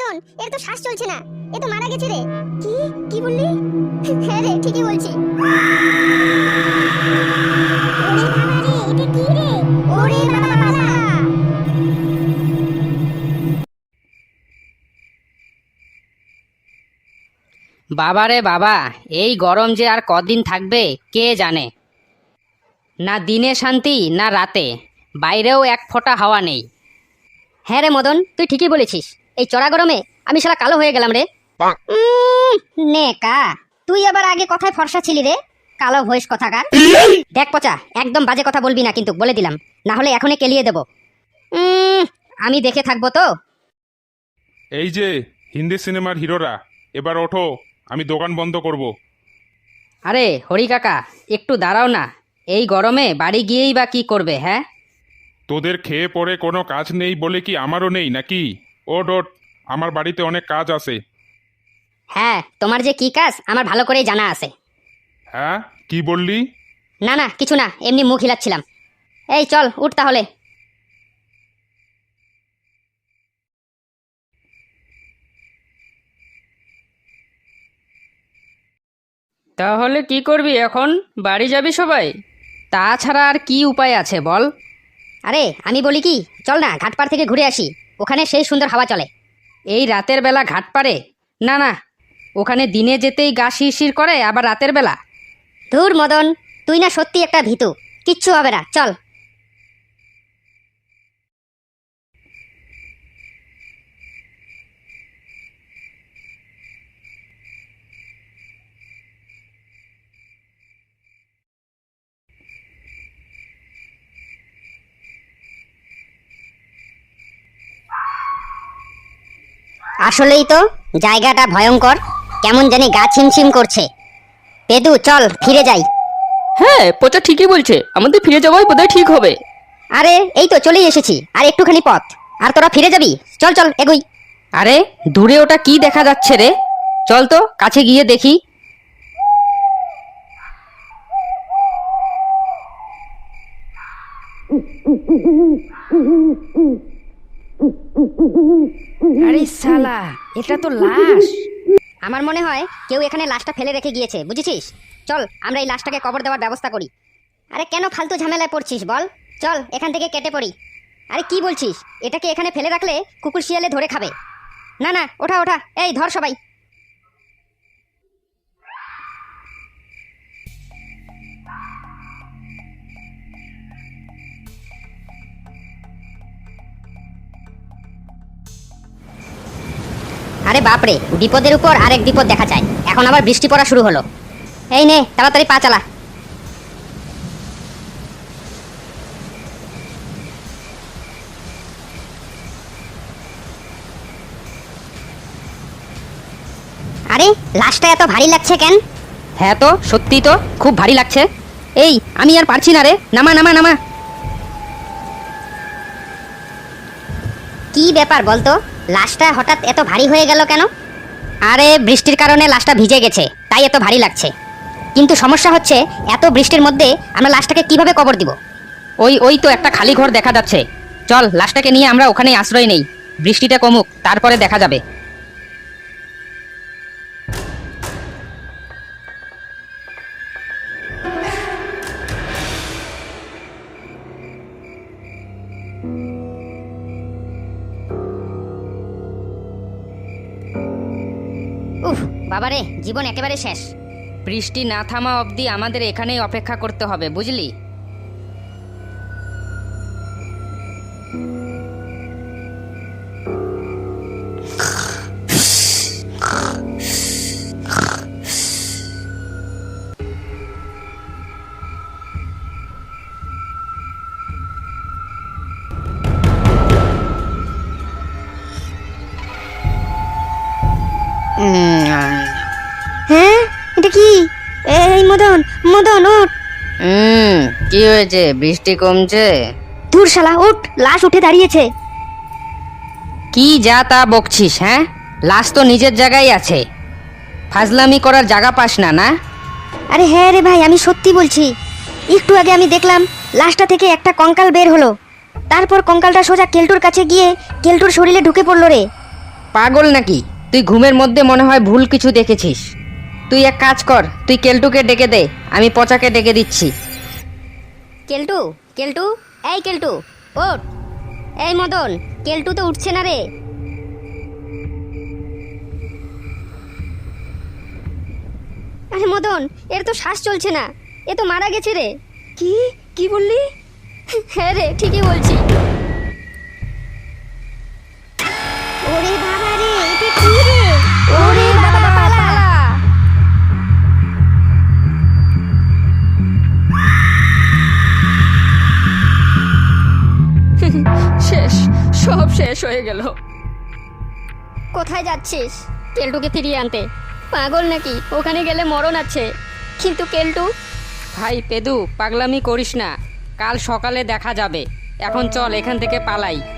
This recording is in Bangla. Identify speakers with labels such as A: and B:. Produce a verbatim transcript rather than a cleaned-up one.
A: মদন, এর তো শ্বাস চলছে না, এ তো মারা গেছে রে। কি কি বললি? হ্যাঁ রে, ঠিকই বলছি। ওরে বাবা রে, এটা কি রে? ওরে বাবা পালা।
B: বাবারে বাবা, এই গরম যে আর কদিন থাকবে কে জানে। না দিনে শান্তি না রাতে, বাইরেও এক ফোঁটা হাওয়া নেই।
C: হ্যাঁ রে মদন, তুই ঠিকই বলেছিস। এই চড়া গরমে আমি শালা কালো হয়ে গেলাম রে। উম, নে কা তুই আবার আগে কথায় ফর্সা ছিলি রে, কালো ভয়েস কথাকার। দেখ পচা, একদম বাজে কথা বলবি না কিন্তু, বলে দিলাম, না হলে এখনই কেলিয়ে দেব। উম, আমি দেখে থাকবো তো।
D: এই যে হিন্দি সিনেমার হিরোরা, এবার ওঠো, আমি দোকান বন্ধ করব।
B: আরে হরি কাকা, একটু দাঁড়াও না। এই গরমে বাড়ি গিয়েই বা কি করবে? হ্যাঁ,
D: তোদের খেয়ে পড়ে কোনো কাজ নেই বলে কি আমারও নেই নাকি? ওট ওট, আমার বাড়িতে অনেক কাজ আছে।
C: হ্যাঁ, তোমার যে কি কাজ আমার ভালো করেই জানা আছে।
D: হ্যাঁ, কি বললি?
C: না না কিছু না, এমনি মুখ হিলাচ্ছিলাম। এই চল উঠ তাহলে।
B: তাহলে কি করবি এখন? বাড়ি যাবি সবাই? তাছাড়া আর কি উপায় আছে বল?
C: আরে আমি বলি কি, চল না ঘাটপাড় থেকে ঘুরে আসি, ওখানে সেই সুন্দর হাওয়া চলে।
B: এই রাতের বেলা ঘাট পারে? না না, ওখানে দিনে যেতেই গা শিরশির করে, আবার রাতের বেলা?
C: ধুর মদন, তুই না সত্যি একটা ভীতু, কিচ্ছু হবে না, চল। আসলেই তো জায়গাটা ভয়ঙ্কর, কেমন জানি গা ছিমছিম করছে। পেদু চল ফিরে যাই।
E: হ্যাঁ, পচা ঠিকই বলছে, আমাদের ফিরে যাওয়াই বোধহয় ঠিক হবে।
C: আরে এই তো চলেই এসেছি, আর একটুখানি পথ, আর তোরা ফিরে যাবি? চল চল এগোই।
B: আরে দূরে ওটা কি দেখা যাচ্ছে রে? চল তো কাছে গিয়ে দেখি। আরে শালা, এটা তো লাশ।
C: আমার মনে হয় কেউ এখানে লাশটা ফেলে রেখে গিয়েছে, বুঝেছিস? চল আমরা এই লাশটাকে কবর দেওয়ার ব্যবস্থা করি। আরে কেন ফালতু ঝামেলায় পড়ছিস বল, চল এখান থেকে কেটে পড়ি। আরে কি বলছিস, এটাকে এখানে ফেলে রাখলে কুকুর শিয়ালে ধরে খাবে। না না, ওঠা ওঠা, এই ধর সবাই। আরে বাপরে, বিপদের উপর আরেক বিপদ দেখা যায়, এখন আবার বৃষ্টি পড়া শুরু হলো। এই নে তাড়াতাড়ি পা চালা। আরে লাশটা এত ভারী লাগছে কেন?
B: হ্যাঁ তো সত্যি তো, খুব ভারী লাগছে। এই আমি আর পারছি না রে, নামা নামা নামা।
C: কি ব্যাপার বলতো, লাশটা হঠাৎ এত ভারী হয়ে গেল কেন? আরে বৃষ্টির কারণে লাশটা ভিজে গেছে, তাই এত ভারী লাগছে। কিন্তু সমস্যা হচ্ছে, এত বৃষ্টির মধ্যে আমরা লাশটাকে কিভাবে কবর দিব?
B: ওই ওই তো একটা খালি ঘর দেখা যাচ্ছে, চল লাশটাকে নিয়ে আমরা ওখানে আশ্রয় নেই। বৃষ্টিটা কমুক, তারপরে দেখা যাবে।
C: উফ বাবারে, জীবন একেবারে শেষ।
B: বৃষ্টি না থামা অবধি আমাদের এখানেই অপেক্ষা করতে হবে, বুঝলি?
C: হ্যাঁ এটা কি? এই মদন, মদন ওঠ।
B: হুম, কি হয়েছে? বৃষ্টি কমছে?
C: দূর শালা ওঠ, লাশ উঠে দাঁড়িয়েছে।
B: কি যা তা বকছিস? হ্যাঁ, লাশ তো নিজের জায়গায় আছে, ফাজলামি করার জায়গা পাস না না?
C: আরে হ্যাঁ রে ভাই, আমি সত্যি বলছি। একটু আগে আমি দেখলাম লাশটা থেকে একটা কঙ্কাল বের হলো, তারপর কঙ্কালটা সোজা কেলটুর কাছে গিয়ে কেলটুর শরীরে ঢুকে পড়লো রে।
B: পাগল নাকি? তুই ঘুমের মধ্যে মনে হয় ভুল কিছু দেখেছিস। তুই এক কাজ কর, তুই কেলটুকে ডেকে দে, আমি পচাকে ডেকে দিচ্ছি।
C: কেলটু কেলটু এই কেলটু ওঠ। এই মদন, কেলটু তো উঠছে না রে। আরে মদন, এর তো শ্বাস চলছে না, এ তো মারা গেছে রে। কি কি বললি? হ্যাঁ রে, ঠিকই বলছি।
A: ওরে বাবা রে, এটা কি রে?
C: ওরে বাবা, পালা!
E: শেষ, সব শেষ হয়ে গেল।
C: কোথায় যাচ্ছিস? কেলটুকে ফিরিয়ে আনতে। পাগল নাকি? ওখানে গেলে মরণ আছে। কিন্তু কেলটু?
B: ভাই পেদু, পাগলামি করিস না, কাল সকালে দেখা যাবে। এখন চল এখান থেকে পালাই।